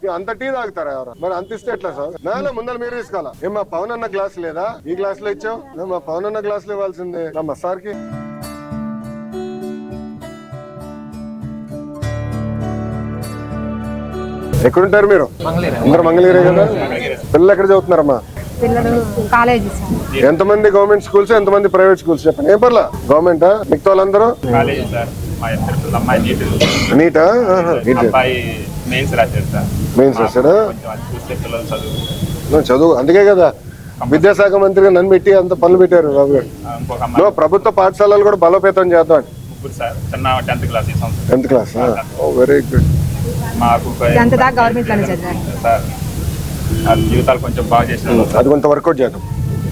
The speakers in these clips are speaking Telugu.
అంత టీ తాగుతారా ఎవరు? మరి అంత ఇస్తే ఎట్లా సార్? నా ముందర మీరు తీసుకోవాలా? ఏం మా పవన్ అన్న గ్లాస్ లేదా? ఈ గ్లాస్ లో ఇచ్చావు? మా పవన్ అన్న గ్లాస్ లో ఇవ్వాల్సిందే మా సార్ కి. ఎక్కడుంటారు మీరు? అందరు మంగళగిరే కదా? పిల్లలు ఎక్కడ చదువుతున్నారమ్మా? కాలేజ్. ఎంతమంది గవర్నమెంట్ స్కూల్స్, ఎంతమంది ప్రైవేట్ స్కూల్స్ చెప్పండి. ఏం పర్లా గవర్నమెంటా? మిగతా వాళ్ళందరూ నీటా? మెయిన్స్ రాశాడా? చదువు అందుకే కదా విద్యాశాఖ మంత్రిగా నన్ను పెట్టి అంత పనులు పెట్టారు బాబు గారు. ప్రభుత్వ పాఠశాలలు కూడా బలోపేతం చేద్దాం. 10th class. Very good. జీవితాలు కొంచెం బాగా చేసిన అది కొంత వర్కౌట్ చేద్దాం.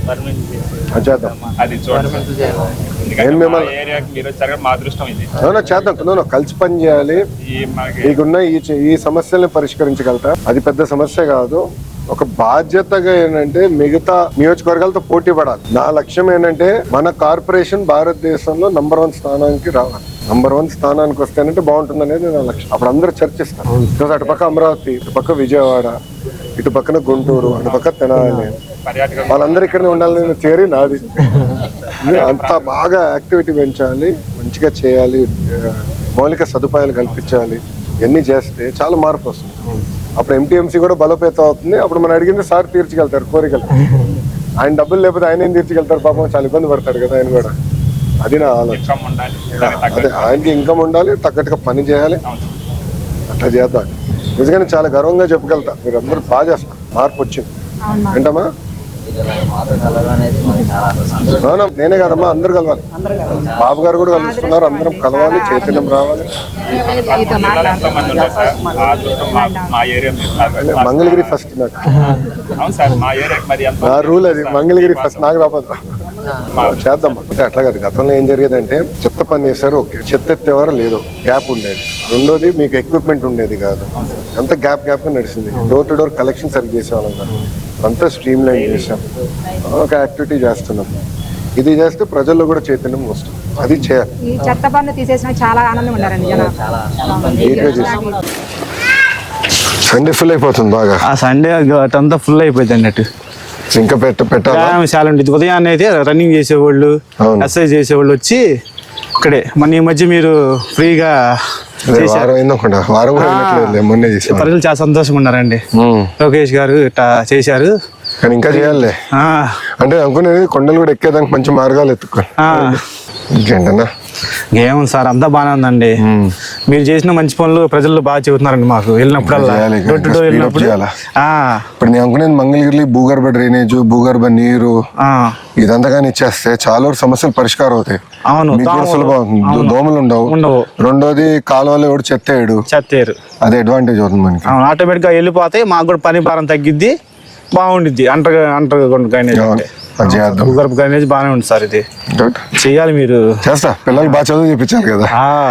చేద్దాం కలిసి పని చేయాలి. మీకున్న ఈ సమస్యల్ని పరిష్కరించగలుగుతా. అది పెద్ద సమస్య కాదు. ఒక బాధ్యతగా ఏంటంటే మిగతా నియోజకవర్గాలతో పోటీ పడాలి. నా లక్ష్యం ఏంటంటే మన కార్పొరేషన్ భారతదేశంలో నంబర్ 1 స్థానానికి రావాలి. నంబర్ 1 స్థానానికి వస్తేనంటే బాగుంటుంది అనేది నా లక్ష్యం. అప్పుడు అందరూ చర్చిస్తారు. అటుపక్క అమరావతి, ఇటుపక్క విజయవాడ, ఇటు పక్కన గుంటూరు, అటుపక్క తెనాలి, వాళ్ళందరూ ఇక్కడనే ఉండాలని థియరీ నాది. అంత బాగా యాక్టివిటీ పెంచాలి, మంచిగా చేయాలి, మౌలిక సదుపాయాలు కల్పించాలి. ఇవన్నీ చేస్తే చాలా మార్పు వస్తుంది. అప్పుడు MTMC కూడా బలోపేతం అవుతుంది. అప్పుడు మనం అడిగింది సార్ తీర్చగలుగుతారు కోరికలు. ఆయన డబ్బులు లేకపోతే ఆయన ఏం తీర్చగలుగుతారు? పాపం చాలా ఇబ్బంది పడతాడు కదా ఆయన కూడా. అది నా ఆలోచన. అదే ఆయనకి ఇన్కమ్ ఉండాలి, తగ్గట్టుగా పని చేయాలి. అట్లా చేద్దాం. నిజంగానే చాలా గర్వంగా చెప్పగలుగుతా. మీరు అందరూ బాగా చేస్తారు. మార్పు వచ్చింది ఏంటమ్మా? నేనే కాదమ్మా, అందరు కలవాలి. బాబు గారు కూడా కలుస్తున్నారు. అందరం కలవాలి, చైతన్యం రావాలి. మంగళగిరి ఫస్ట్. నాకు నా రూల్ అది, మంగళగిరి ఫస్ట్. నాకు రాబోదు. చేద్దాం. అంటే అట్లా కాదు. గతంలో ఏం జరిగేదంటే చెత్త పని చేశారు, ఓకే, చెత్త ఎత్తేవారు లేదు, గ్యాప్ ఉండేది. రెండోది మీకు ఎక్విప్మెంట్ ఉండేది కాదు, అంత గ్యాప్ నడిచింది. డోర్ టు డోర్ కలెక్షన్ సరిగ్గా చేసేవాళ్ళం కాదు. అంతా స్ట్రీమ్ లైన్ చేసాం. ఒక యాక్టివిటీ చేస్తున్నాం. ఇది చేస్తే ప్రజల్లో కూడా చైతన్యం వస్తుంది. అది చేయాలి. చెత్త పన్ను తీసేసిన చాలా ఆనందం ఉన్నారండి. సండే ఫుల్ అయిపోతుంది బాగా. ఆ సండే అంతా ఫుల్ అయిపోయింది అన్నట్టు. ఇంకా పెట్టాలి. ఉదయాన్నే అయితే రన్నింగ్ చేసేవాళ్ళు, ఎక్సర్సైజ్ చేసేవాళ్ళు వచ్చి ఇక్కడే. మన ఈ మధ్య మీరు ఫ్రీగా ప్రజలు చాలా సంతోషంగా ఉన్నారండి. లోకేష్ గారు ఇట్లా చేశారు. కానీ ఇంకా చేయాలి. అంటే అనుకునేది కొండలు కూడా ఎక్కేదానికి మంచి మార్గాలు ఎత్తుకో. ఇంకేంటన్నా ఏముంది సార్, అంతా బాగానే ఉందండి. మీరు చేసిన మంచి పనులు ప్రజలు బాగా చెబుతున్నారండి. మాకు వెళ్ళినప్పుడల్లా ఇప్పుడు నేను అనుకునేది మంగళగిరి భూగర్భ డ్రైనేజ్, భూగర్భ నీరు ఇదంతా కానీ ఇచ్చేస్తే చాలా వరకు సమస్యలు పరిష్కారం అవుతాయి. అవును, సులభం. దోమలు ఉండవు. రెండోది కాలువలో ఎవడు చెత్తేయడు. అది అడ్వాంటేజ్ అవుతుంది మనకి. ఆటోమేటిక్ గా వెళ్ళిపోతాయి. మాకు కూడా పని భారం తగ్గిద్ది, బాగుండిద్ది. భూగర్భ డ్రైనేజ్ బాగానే ఉంది సార్. ఇది చెయ్యాలి. మీరు చేస్తా. పిల్లలు బాగా చదువు చెప్పించారు కదా.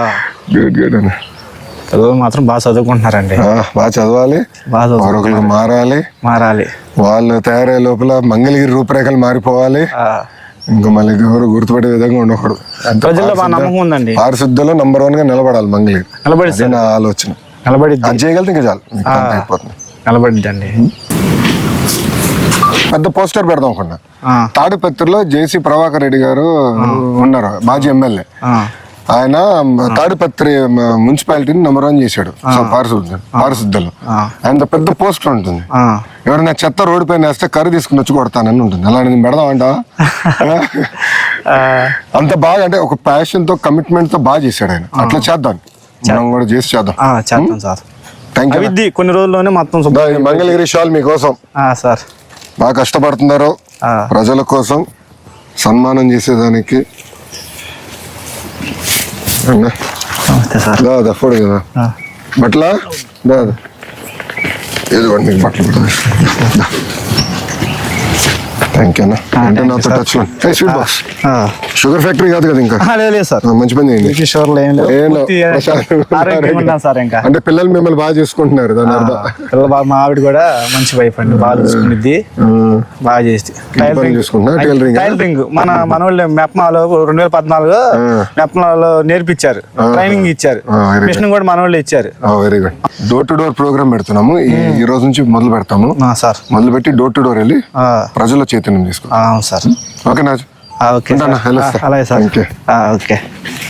పిల్లలు మాత్రం బాగా చదువుకుంటున్నారండి. బాగా చదవాలి, మారాలి. వాళ్ళు తయారయ్యే లోపల మంగళగిరి రూపురేఖలు మారిపోవాలి. ఇంకా మళ్ళీ ఎవరు గుర్తుపడే విధంగా ఉండకూడదు. ప్రజల్లో బాగా నమ్మకం ఉందండి. పారిశుద్ధ్యంలో నంబర్ 1 గా నిలబడాలి మంగళగిరి. నిలబడి నా ఆలోచన. నిలబడి చేయగలితే ఇంకా చాలు. అయిపోతుంది. నిలబడిద్దండి. పెద్ద పోస్టర్ పెడదాం అనుకున్నా. తాడిపత్రిలో JC ప్రభాకర్ రెడ్డి గారు ఉన్నారు, మాజీ ఎమ్మెల్యే. ఆయన తాడిపత్రి మున్సిపాలిటీని నంబర్ 1 చేశాడు పారిశుద్ధ్యంలో. ఆయన పెద్ద పోస్టర్ ఉంటుంది. ఎవరైనా చెత్త రోడ్డు పైన వేస్తే కర్రీ తీసుకుని వచ్చి కొడతానని ఉంటుంది. అలాంటి పెడదాం అంట. అంత బాగా, అంటే ఒక ప్యాషన్ తో, కమిట్మెంట్ తో బాగా చేశాడు ఆయన. అట్లా చేద్దాం, మనం కూడా చేసి చేద్దాం. Thank you. కొన్ని రోజుల్లోనే మొత్తం మంగళగిరి షాల్ మీకోసం. సార్ బాగా కష్టపడుతున్నారు ప్రజల కోసం, సన్మానం చేసేదానికి. ఫోడు కదా బట్ల ఇదిగోండి, బట్టలు థ్యాంక్ యూ అన్న. అంటే నాతో టచ్ లో స్వీట్ బాక్స్ షుగర్ ఫ్యాక్టరీ కాదు కదా ఇంకా. లేదు సార్, మంచి పని చేయండి. షుగర్లో ఏం లేదు, ఏం లేదు. పూర్తి ఆరోగ్యంగా ఉన్నాను సార్. ఇంకా అంటే పిల్లలు మిమ్మల్ని బాగా చూసుకుంటున్నారు దాని అర్థం. పిల్లలు బాగా, మా ఆవిడ కూడా మంచి వైఫ్ అండి, బాగా చూసుకునిద్ది, బాగా చేసి చూసుకుంటున్నా. టైలరింగ్ మన మనోళ్ళు మెప్మాలో 2014 మెప్మాలో నేర్పించారు, ట్రైనింగ్ ఇచ్చారు, మిషన్ కూడా మనోళ్ళు ఇచ్చారు. Very good. Door to door programme పెడుతున్నాము ఈ రోజు నుంచి మొదలు పెడతాము సార్. మొదలు పెట్టి డోర్ టు డోర్ వెళ్ళి ప్రజల చైతన్యం తీసుకో. అవును సార్. ఓకేనా? ఓకే, అలాగే సార్. ఓకే.